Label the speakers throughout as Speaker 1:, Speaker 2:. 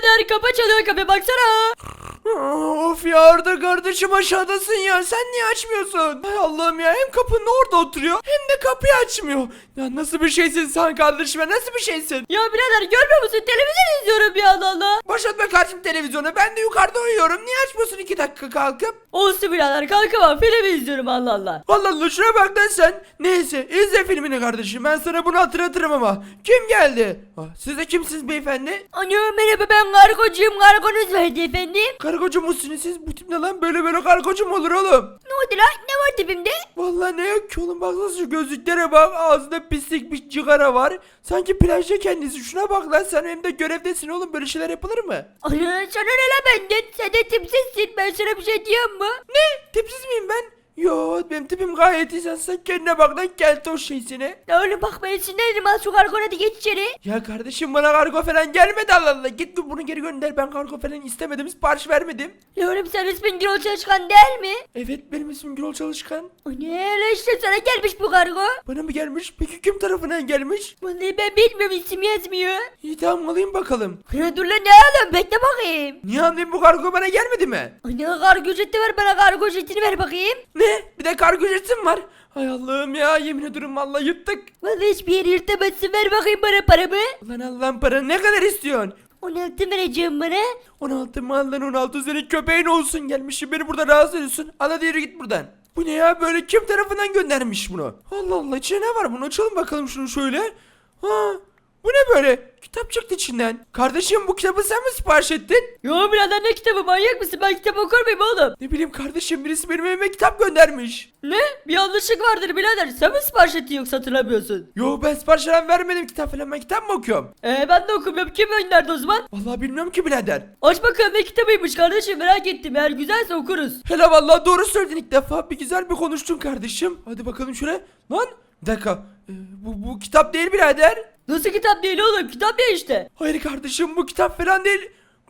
Speaker 1: birader, kapı çalıyor, kapı baksana.
Speaker 2: Of ya Arda kardeşim aşağıdasın ya, sen niye açmıyorsun? Hay Allah'ım ya, hem kapının orada oturuyor hem de kapıyı açmıyor. Ya nasıl bir şeysin sen kardeşim, nasıl bir şeysin?
Speaker 1: Ya birader, görmüyor musun, televizyon izliyorum ya, Allah Allah.
Speaker 2: Başlatma kardeşim televizyonu, ben de yukarıda uyuyorum, niye açmıyorsun 2 dakika kalkıp?
Speaker 1: Olsun birader, kalkamam, film izliyorum, Allah Allah.
Speaker 2: Allah Allah, şuna bak lan sen. Neyse izle filmini kardeşim, ben sana bunu hatırlatırım ama. Kim geldi? Siz de kimsiniz beyefendi?
Speaker 1: Ana merhaba, ben kargocuyum, kargonuz vardı efendim.
Speaker 2: Kargocu musunuz siz? Bu tip ne lan, böyle kargocu mu olur oğlum?
Speaker 1: Ne oldu lan, ne var tipimde?
Speaker 2: Vallahi ne yok ki oğlum, baksana şu gözlüklere bak, ağzında pislik bir cigara var. Sanki plajda kendisi, şuna bak lan, sen hem de görevdesin oğlum, böyle şeyler yapılır mı?
Speaker 1: Ana sana ne lan benden, sen de tipsizsin, ben sana bir şey diyeyim mi?
Speaker 2: Ne? Tipsiz miyim ben? Yo, benim tipim gayet iyi, sen kendine bak lan, geldi o şeysine.
Speaker 1: Ya oğlum bak, ben sinirlerim, al şu kargona da geç içeri.
Speaker 2: Ya kardeşim bana kargo falan gelmedi, Allah Allah, git bunu geri gönder, ben kargo falan istemedim, sipariş vermedim.
Speaker 1: Ya oğlum sen ismin Gürol Çalışkan değil mi?
Speaker 2: Evet, benim ismim Gürol Çalışkan.
Speaker 1: O ne lan, işte sana gelmiş bu kargo.
Speaker 2: Bana mı gelmiş? Peki kim tarafından gelmiş?
Speaker 1: Vallahi ben bilmiyorum, isim yazmıyor.
Speaker 2: İyi tamam, alayım bakalım.
Speaker 1: Ya dur lan, ne oğlum, bekle bakayım.
Speaker 2: Niye anlayayım, bu kargo bana gelmedi mi?
Speaker 1: Ana kargo ücreti ver bana, kargo ücretini ver bakayım.
Speaker 2: Ne? Bir de kargo ücretim var. Hay Allah'ım ya, yemin ediyorum vallahi yuttuk.
Speaker 1: Vallahi hiçbir yeri yırtamazsın, ver bakayım bana paramı.
Speaker 2: Ulan Allah'ın para ne kadar istiyorsun?
Speaker 1: 16 vereceğim bana.
Speaker 2: 16 mı lan, 16 senin köpeğin olsun, gelmişsin beni burada rahatsız ediyorsun. Al hadi yürü git buradan. Bu ne ya, böyle kim tarafından göndermiş bunu? Allah Allah, içine ne var bunu, açalım bakalım şunu şöyle. Ha, bu ne böyle? Kitap çıktı içinden. Kardeşim, bu kitabı sen mi sipariş ettin?
Speaker 1: Yo birader, ne kitabı, manyak mısın, ben kitap okur muyum oğlum?
Speaker 2: Ne bileyim kardeşim, birisi benim evime kitap göndermiş.
Speaker 1: Ne? Bir yanlışlık vardır birader, sen mi sipariş ettin yoksa hatırlamıyorsun?
Speaker 2: Yo, ben sipariş falan vermedim, kitap falan, ben kitap mı okuyorum?
Speaker 1: Ben de okumuyorum, kim gönderdi o zaman?
Speaker 2: Vallahi bilmiyorum ki birader.
Speaker 1: Aç bakalım, ne kitabıymış kardeşim, merak ettim, eğer güzelse okuruz.
Speaker 2: Hele vallahi doğru söyledin, ilk defa bir güzel bir konuştun kardeşim. Hadi bakalım şuraya. Lan bir dakika, bu kitap değil birader.
Speaker 1: Nasıl kitap değil oğlum, kitap ya işte.
Speaker 2: Hayır kardeşim, bu kitap falan değil.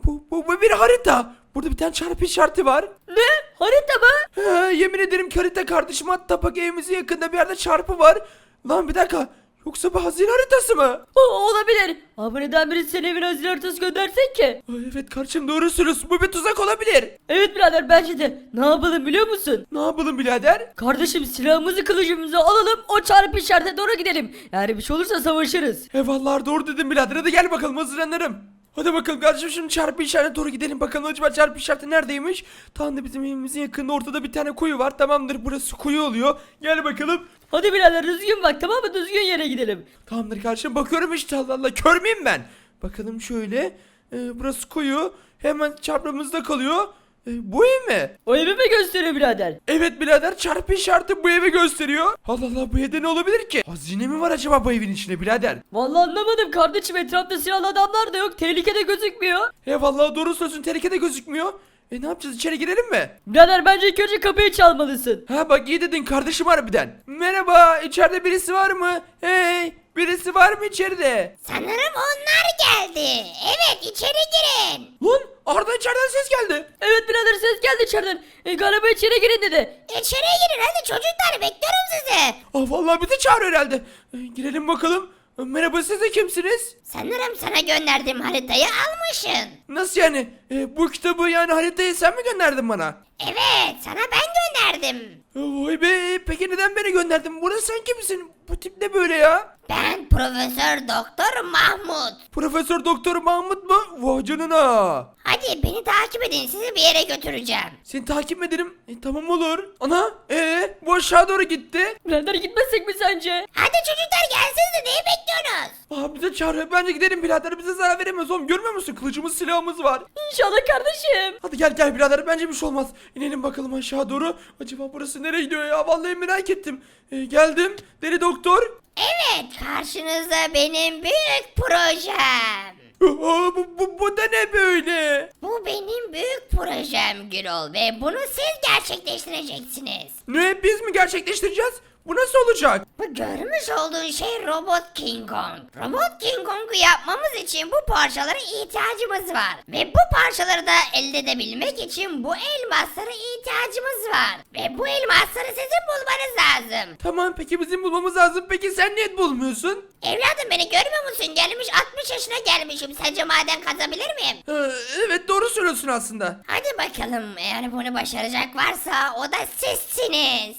Speaker 2: Bu bir harita. Burada bir tane çarpı işareti var.
Speaker 1: Ne? Harita mı?
Speaker 2: Yemin ederim ki harita kardeşim, hatta bak evimizin yakında bir yerde çarpı var. Lan bir dakika, yoksa bu hazine haritası mı?
Speaker 1: Olabilir. Ama neden birisi senin evine hazine haritası göndersin ki?
Speaker 2: Evet kardeşim, doğru söylüyorsun, bu bir tuzak olabilir.
Speaker 1: Evet birader, bence de. Ne yapalım biliyor musun?
Speaker 2: Ne yapalım birader?
Speaker 1: Kardeşim, silahımızı kılıcımızı alalım, o çarpı işaretine doğru gidelim. Eğer bir şey olursa savaşırız.
Speaker 2: Eyvallah, doğru dedim birader, hadi gel bakalım, hazırlanırım. Hadi bakalım kardeşim, şimdi çarpı işaretine doğru gidelim bakalım, acaba çarpı işareti neredeymiş? Tam da bizim evimizin yakında, ortada bir tane kuyu var, tamamdır, burası kuyu oluyor. Gel bakalım.
Speaker 1: Hadi birader, düzgün bak, tamam mı, düzgün yere gidelim.
Speaker 2: Tamamdır kardeşim, bakıyorum işte, Allah Allah, kör müyüm ben? Bakalım şöyle, burası kuyu, hemen çarpımızda kalıyor. Bu ev mi?
Speaker 1: O evi mi gösteriyor birader?
Speaker 2: Evet birader, çarpı işareti bu evi gösteriyor. Allah Allah, bu evde ne olabilir ki? Hazine mi var acaba bu evin içinde birader?
Speaker 1: Vallahi anlamadım kardeşim, etrafta silahlı adamlar da yok, tehlikede gözükmüyor.
Speaker 2: Vallahi doğru söylüyorsun, tehlikede gözükmüyor. Ne yapacağız, içeri girelim mi?
Speaker 1: Birader, bence ilk önce kapıyı çalmalısın.
Speaker 2: Ha bak, iyi dedin kardeşim harbiden. Merhaba, içeride birisi var mı? Hey, birisi var mı içeride?
Speaker 3: Sanırım onlar geldi. Evet, içeri girin.
Speaker 2: Lan Arda, içeriden ses geldi.
Speaker 1: Evet birader, ses geldi içeriden. Galiba içeri girin dedi.
Speaker 3: İçeriye girin hadi çocuklar, bekliyorum sizi.
Speaker 2: Vallahi bizi çağırıyor herhalde. Girelim bakalım. Merhaba, siz de kimsiniz?
Speaker 3: Sanırım sana gönderdiğim haritayı almışsın.
Speaker 2: Nasıl yani? Bu kitabı, yani haritayı sen mi gönderdin bana?
Speaker 3: Evet, sana ben gönderdim.
Speaker 2: Vay be, peki neden beni gönderdin? Burada sen kimsin? Bu tip ne böyle ya?
Speaker 3: Ben Profesör Doktor Mahmut.
Speaker 2: Profesör Doktor Mahmut mu? Vay canına.
Speaker 3: Hadi beni takip edin, sizi bir yere götüreceğim.
Speaker 2: Seni takip ederim. Tamam olur. Ana, bu aşağı doğru gitti.
Speaker 1: Birader, gitmesek mi sence?
Speaker 3: Hadi çocuklar, gelsenize, neyi bekliyorsunuz?
Speaker 2: Bize çağırıyor. Bence gidelim birader. Bize zarar veremez oğlum. Görmüyor musun? Kılıcımız, silahımız var.
Speaker 1: İnşallah kardeşim.
Speaker 2: Hadi gel birader. Bence bir şey olmaz. İnelim bakalım aşağı doğru. Acaba burası nereye gidiyor ya? Vallahi merak ettim. Geldim. Deli doktor.
Speaker 3: Evet, karşınızda benim büyük projem.
Speaker 2: Bu da ne böyle?
Speaker 3: Bu benim büyük projem Gürol ve bunu siz gerçekleştireceksiniz.
Speaker 2: Ne? Biz mi gerçekleştireceğiz? Bu nasıl olacak?
Speaker 3: Bu görmüş olduğun şey Robot King Kong. Robot King Kong'u yapmamız için bu parçalara ihtiyacımız var. Ve bu parçaları da elde edebilmek için bu elmaslara ihtiyacımız var. Ve bu elmasları sizin bulmanız lazım.
Speaker 2: Tamam, peki bizim bulmamız lazım. Peki sen niye bulmuyorsun?
Speaker 3: Evladım, beni görmüyor musun? Gelmiş 60 yaşına başına gelmişim. Sence maden kazabilir miyim?
Speaker 2: Evet doğru söylüyorsun aslında.
Speaker 3: Hadi bakalım, eğer bunu başaracak varsa o da sizsiniz.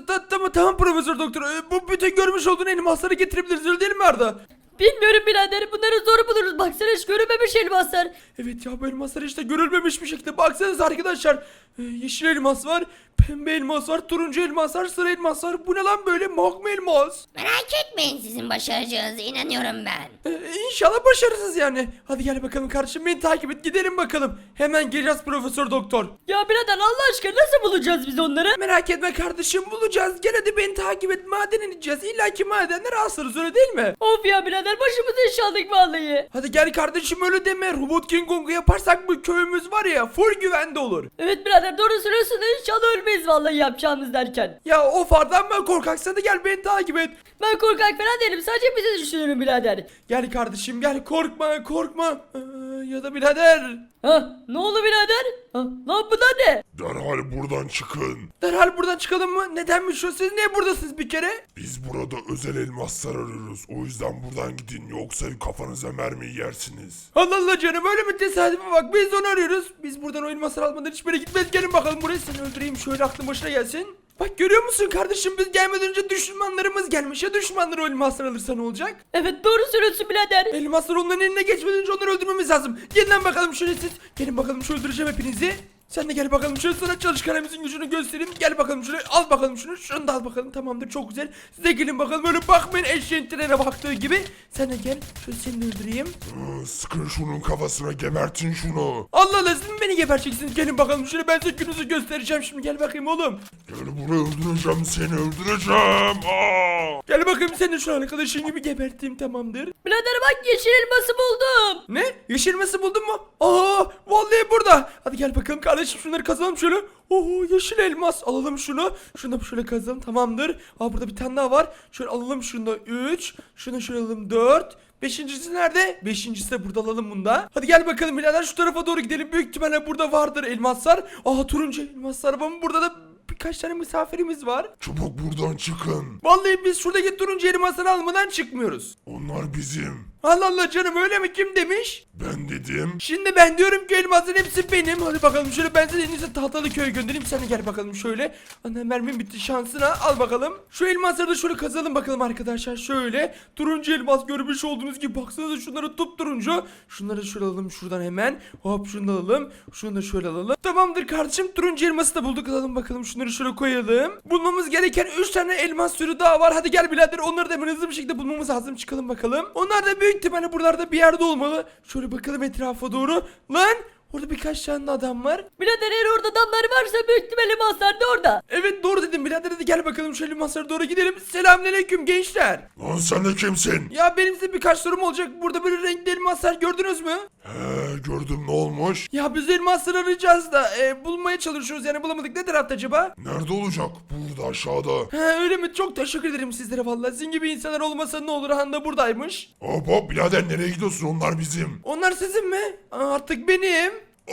Speaker 2: Tamam Profesör Doktor. Bu bütün görmüş olduğun elmasları getirebiliriz öyle değil mi Arda?
Speaker 1: Bilmiyorum birader, bunları zor buluruz. Baksana, hiç görünmemiş elmaslar.
Speaker 2: Evet ya bu elmaslar işte görülmemiş bir şekilde. Baksanıza arkadaşlar. Yeşil elmas var, pembe elmas var, turuncu elmas var, sarı elmas var. Bu ne lan böyle magma elmas?
Speaker 3: Merak etmeyin, sizin başaracağınıza inanıyorum ben.
Speaker 2: İnşallah başarısız yani. Hadi gel bakalım kardeşim, beni takip et, gidelim bakalım. Hemen geleceğiz Profesör Doktor.
Speaker 1: Ya birader, Allah aşkına nasıl bulacağız biz onları?
Speaker 2: Merak etme kardeşim, bulacağız. Gel hadi beni takip et, maden ineceğiz. İlla ki madenler asarız öyle değil mi?
Speaker 1: Of ya birader, başımızı iş aldık vallahi.
Speaker 2: Hadi gel kardeşim, öyle deme. Robot King Kong'u yaparsak bu köyümüz var ya full güvende olur.
Speaker 1: Evet birader, doğru söylüyorsun da inşallah ölmeyiz vallahi yapacağımız derken.
Speaker 2: Ya of Ardan, ben korkaksan da gel beni takip et.
Speaker 1: Ben korkak falan değilim, sadece bizi düşünüyorum birader.
Speaker 2: Gel kardeşim gel, korkma korkma. Ya da birader.
Speaker 1: Ha, ne oldu birader? Ha, lan bu da ne?
Speaker 4: Derhal buradan çıkın.
Speaker 2: Derhal buradan çıkalım mı? Nedenmiş o? Siz niye buradasınız bir kere?
Speaker 4: Biz burada özel elmaslar arıyoruz. O yüzden buradan gidin, yoksa kafanıza mermiyi yersiniz.
Speaker 2: Allah Allah canım, öyle mi tesadüfe bak, biz onu arıyoruz. Biz buradan o elmasları almadan hiçbir yere gitmeyiz. Gelin bakalım buraya, seni öldüreyim şöyle, aklın başına gelsin. Bak görüyor musun kardeşim, biz gelmeden önce düşmanlarımız gelmiş. Ya düşmanlar o elmasları alırsa ne olacak?
Speaker 1: Evet, doğru söylüyorsun birader.
Speaker 2: Elmaslar onların eline geçmeden önce onları öldürmemiz lazım. Gelin lan bakalım şöyle siz. Gelin bakalım, şöyle öldüreceğim hepinizi. Sen de gel bakalım, şöyle sana çalışkanımızın gücünü göstereyim. Gel bakalım şöyle, al bakalım şunu. Şunu da al bakalım, tamamdır, çok güzel. Siz de gelin bakalım, öyle bakmayın eşeğin trene baktığı gibi. Sen de gel, şöyle seni de öldüreyim.
Speaker 4: Sıkın şunun kafasına, gebertin şunu.
Speaker 2: Allah Allah, siz mi beni geberteceksiniz? Gelin bakalım şöyle, ben size gününüzü göstereceğim şimdi. Gel bakayım oğlum.
Speaker 4: Gel buraya, öldüreceğim seni, öldüreceğim. Aa!
Speaker 2: Gel bakayım, seni de şu arkadaşın gibi geberteyim, tamamdır.
Speaker 1: Birader bak, yeşil elması buldum.
Speaker 2: Ne? Yeşil elması buldun mu? Aa, vallahi burada. Hadi gel bakalım kardeşim, şunları kazalım şöyle. Oo, yeşil elmas, alalım şunu. Şunu da şöyle kazalım, tamamdır. Aa, burada bir tane daha var. Şöyle alalım şunu da 3. Şunu şöyle alalım 4. Beşincisi nerede? Beşincisi de burada, alalım bunda. Hadi gel bakalım birader, şu tarafa doğru gidelim. Büyük ihtimalle burada vardır elmaslar. Aa, turuncu elmaslar. Ama burada da birkaç tane misafirimiz var.
Speaker 4: Çabuk buradan çıkın.
Speaker 2: Vallahi biz şuradaki turuncu elmasları almadan çıkmıyoruz.
Speaker 4: Onlar bizim.
Speaker 2: Allah Allah canım, öyle mi? Kim demiş?
Speaker 4: Ben dedim.
Speaker 2: Şimdi ben diyorum ki elmasın hepsi benim. Hadi bakalım şöyle, ben seni en iyisi tahtalı köye göndereyim. Sen de gel bakalım şöyle. Ana, mermim bitti, şansına al bakalım. Şu elmasları da şöyle kazalım bakalım arkadaşlar. Şöyle turuncu elmas, görmüş olduğunuz gibi. Baksanıza şunları, turuncu. Şunları şöyle alalım şuradan hemen. Hop, şunu da alalım. Şunu da şöyle alalım. Tamamdır kardeşim, turuncu elması da bulduk. Alalım bakalım şunları, şöyle koyalım. Bulmamız gereken 3 tane elmas türü daha var. Hadi gel birader, onları da hemen hızlı bir şekilde bulmamız lazım. Çıkalım bakalım. Onlar da büyük ihtimalle buralarda bir yerde olmalı. Şöyle bakalım etrafa doğru. Lan, orada birkaç tane adam var.
Speaker 1: Birader, eğer orada adamlar varsa büyük ihtimalle elmaslar da orada.
Speaker 2: Evet doğru dedim birader, hadi gel bakalım şöyle masaya doğru gidelim. Selamünaleyküm gençler.
Speaker 4: Lan sen de kimsin?
Speaker 2: Ya benim size birkaç sorum olacak. Burada böyle renkli elmaslar gördünüz mü?
Speaker 4: Gördüm, ne olmuş?
Speaker 2: Ya biz elmasları arayacağız da bulmaya çalışıyoruz, yani bulamadık. Ne tarafta acaba?
Speaker 4: Nerede olacak? Burada, aşağıda.
Speaker 2: Öyle mi? Çok teşekkür ederim sizlere vallahi. Sizin gibi insanlar olmasa ne olur, Handa buradaymış.
Speaker 4: Hop hop birader, nereye gidiyorsun? Onlar bizim.
Speaker 2: Onlar sizin mi? Artık benim.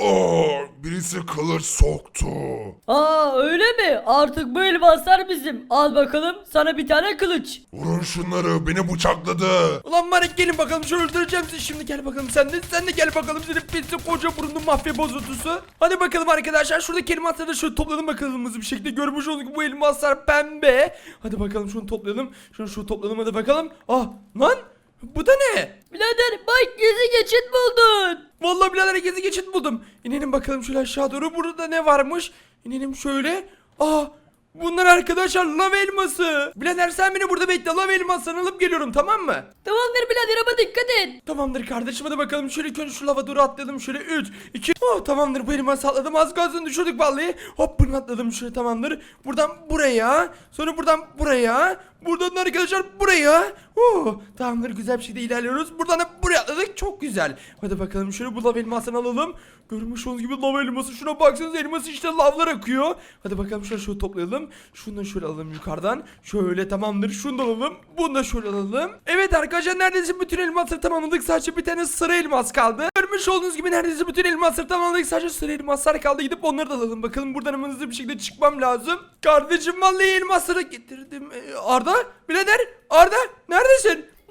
Speaker 4: Birisi kılıç soktu.
Speaker 1: Aa, öyle mi? Artık bu elmaslar bizim. Al bakalım sana bir tane kılıç.
Speaker 4: Vurun şunları, beni bıçakladı.
Speaker 2: Ulan Marek, gelin bakalım, şöyle öldüreceğim sizi şimdi. Gel bakalım sen de gel bakalım, senin pisi koca burunlu mafya bozuntusu. Hadi bakalım arkadaşlar, şuradaki elmasları da şöyle toplayalım bakalım hızlı bir şekilde. Görmüş olduk ki bu elmaslar pembe. Hadi bakalım şunu toplayalım. Şunu toplayalım, hadi bakalım. Lan bu da ne?
Speaker 1: Birader bak, gizli geçit buldun.
Speaker 2: Vallahi birader, gezi geçit buldum. İnelim bakalım şöyle aşağı doğru. Burada ne varmış? İnelim şöyle. Bunlar arkadaşlar lav elması. Birader sen beni burada bekle, lav elmasını alıp geliyorum, tamam mı?
Speaker 1: Tamamdır birader, ama dikkat et.
Speaker 2: Tamamdır kardeşim, hadi bakalım şöyle ilk önce şu lava doğru atlayalım. Şöyle 3, 2, tamamdır, bu elması atladım. Az kalsın düşürdük vallahi. Hop, bunu atladım şöyle, tamamdır. Buradan buraya, sonra buradan buraya, buradan arkadaşlar buraya. Tamamdır, güzel bir şekilde ilerliyoruz. Buradan da buraya atladık, çok güzel. Hadi bakalım şöyle bu lava elmasını alalım. Görmüş olduğunuz gibi lava elması, şuna baksanıza, elması işte lavlar akıyor. Hadi bakalım şöyle toplayalım. Şunu da şöyle alalım yukarıdan. Şöyle, tamamdır, şunu da alalım. Bunu da şöyle alalım. Evet arkadaşlar, neredeyse bütün elmasları tamamladık. Sadece bir tane sarı elmas kaldı. Görmüş olduğunuz gibi neredeyse bütün elmasları tamamladık. Sadece sarı elmaslar kaldı. Gidip onları da alalım. Bakalım buradan hemen hızlı bir şekilde çıkmam lazım. Kardeşim vallahi elmasları getirdim. Arda, birader, Arda neredesin?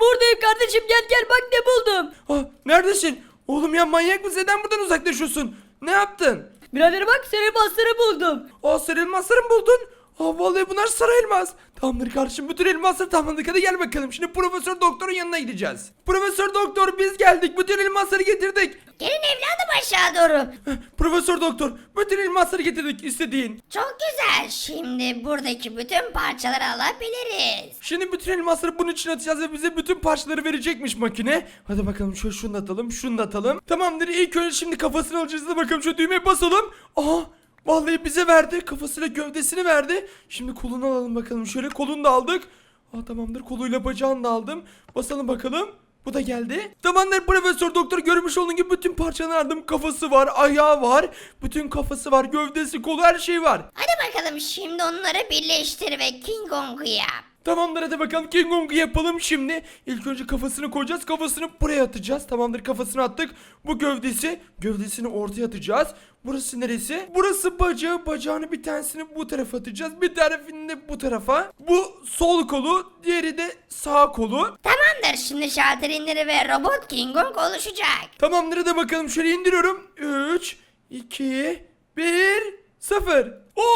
Speaker 1: Buradayım kardeşim, gel bak ne buldum.
Speaker 2: Neredesin? Oğlum ya manyak mısın? Neden buradan uzaklaşıyorsun? Ne yaptın?
Speaker 1: Birader bak, sarı elmasları buldum.
Speaker 2: Sarı elmasları mı buldun? Vallahi bunlar sarı elmas. Tamamdır kardeşim, bütün elmasları tamamladık. Hadi gel bakalım. Şimdi Profesör Doktor'un yanına gideceğiz. Profesör Doktor, biz geldik. Bütün elmasları getirdik.
Speaker 3: Gelin evladım aşağı doğru.
Speaker 2: Profesör Doktor, bütün elmasları getirdik istediğin.
Speaker 3: Çok güzel. Şimdi buradaki bütün parçaları alabiliriz.
Speaker 2: Şimdi bütün elmasları bunun için atacağız ve bize bütün parçaları verecekmiş makine. Hadi bakalım şunu da atalım, şunu da atalım. Tamamdır, ilk önce şimdi kafasını alacağız. Hadi bakalım şu düğmeye basalım. Vallahi bize verdi. Kafasıyla gövdesini verdi. Şimdi kolunu alalım bakalım. Şöyle kolunu da aldık. Tamamdır, koluyla bacağını da aldım. Basalım bakalım. Bu da geldi. Tamamdır Profesör Doktor, görmüş olduğun gibi bütün parçalarını aldım. Kafası var, ayağı var. Bütün kafası var, gövdesi, kolu, her şey var.
Speaker 3: Hadi bakalım şimdi onları birleştir ve King Kong'u yap.
Speaker 2: Tamamdır, hadi bakalım King Kong'u yapalım şimdi. İlk önce kafasını koyacağız. Kafasını buraya atacağız. Tamamdır, kafasını attık. Bu gövdesi. Gövdesini ortaya atacağız. Burası neresi? Burası bacağı. Bacağını bir tanesini bu tarafa atacağız. Bir tarafını da bu tarafa. Bu sol kolu. Diğeri de sağ kolu.
Speaker 3: Tamamdır, şimdi şalteri indir ve robot King Kong oluşacak.
Speaker 2: Tamamdır, hadi bakalım şöyle indiriyorum. 3, 2, 1, 0.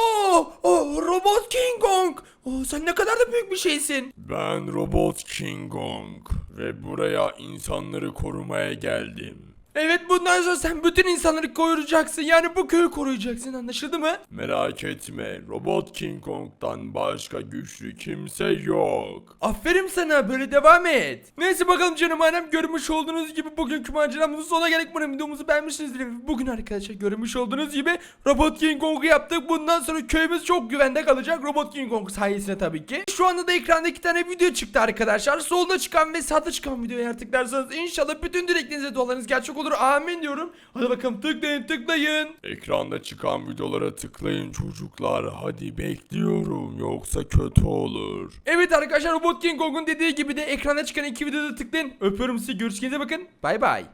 Speaker 2: Robot King Kong. Sen ne kadar da büyük bir şeysin.
Speaker 4: Ben Robot King Kong ve buraya insanları korumaya geldim.
Speaker 2: Evet, bundan sonra sen bütün insanları koruyacaksın. Yani bu köyü koruyacaksın, anlaşıldı mı?
Speaker 4: Merak etme, Robot King Kong'dan başka güçlü kimse yok.
Speaker 2: Aferin sana, böyle devam et. Neyse bakalım canım ailem, görmüş olduğunuz gibi bugünkü maceramızın sonuna geldik. Umarım videomuzu beğenmişsinizdir. Bugün arkadaşlar görmüş olduğunuz gibi Robot King Kong'u yaptık. Bundan sonra köyümüz çok güvende kalacak, Robot King Kong sayesinde tabii ki. Şu anda da ekranda 2 tane video çıktı arkadaşlar. Solda çıkan ve sağda çıkan videoyu eğer tıklarsanız inşallah bütün dileklerinize, dualarınız gerçek olur. Amin diyorum. Hadi bakalım tıklayın.
Speaker 4: Ekranda çıkan videolara tıklayın çocuklar. Hadi bekliyorum, yoksa kötü olur.
Speaker 2: Evet arkadaşlar, Robot King Kong'un dediği gibi de ekranda çıkan 2 videoda tıklayın. Öpüyorum sizi, görüşürüz, bakın. Bay bay.